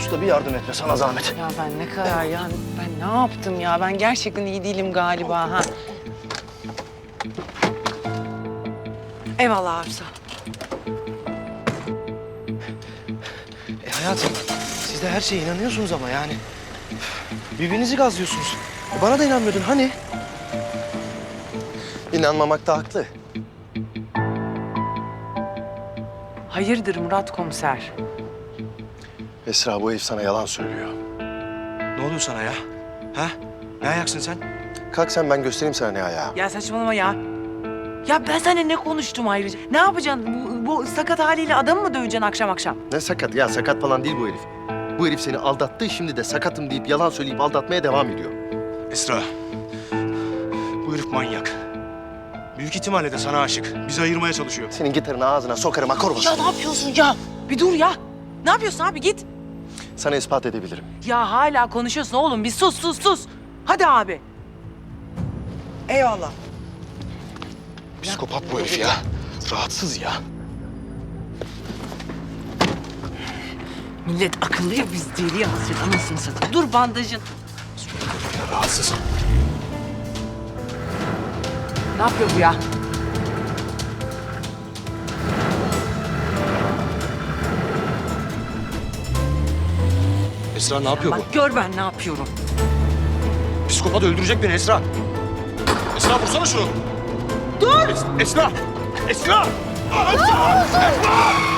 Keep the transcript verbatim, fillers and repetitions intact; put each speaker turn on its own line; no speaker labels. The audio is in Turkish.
usta bir yardım et be, sana zahmet.
Ya ben ne kadar yani ben ne yaptım ya? Ben gerçekten iyi değilim galiba ha. Eyvallah Arzu.
E hayatım, siz de her şeye inanıyorsunuz ama yani. Birbirinizi gazlıyorsunuz. E bana da inanmıyordun hani? İnanmamakta haklı.
Hayırdır Murat komiser?
Esra, bu herif sana yalan söylüyor.
Ne oluyor sana ya? Ha? Ne ayaksın sen?
Kalk sen, ben göstereyim sana ne ayağı.
Ya saçmalama ya. Ya ben seninle ne konuştum ayrıca? Ne yapacaksın? Bu, bu sakat haliyle adamı mı döveceksin akşam akşam?
Ne sakat ya, sakat falan değil bu herif. Bu herif seni aldattı, şimdi de sakatım deyip yalan söyleyip aldatmaya devam ediyor.
Esra, bu herif manyak. Büyük ihtimalle de sana aşık. Bizi ayırmaya çalışıyor.
Senin gitarını ağzına sokarım, akor
Ya
basarım.
ne yapıyorsun ya? Bir dur ya. Ne yapıyorsun abi git.
Sana ispat edebilirim.
Ya hala konuşuyorsun oğlum. Bir sus sus sus. Hadi abi. Eyvallah.
Psikopat bu herif ya. Rahatsız ya.
Millet akıllı ya biz deli hasret anasını satayım. Dur bandajın.
Ya rahatsız.
Ne yapıyor bu ya?
Esra ne yapıyor
Bak gör ben ne yapıyorum.
bu? Psikopat öldürecek beni Esra. Esra vursana şunu. Dur! Es- Esra! Esra! Esra! Esra!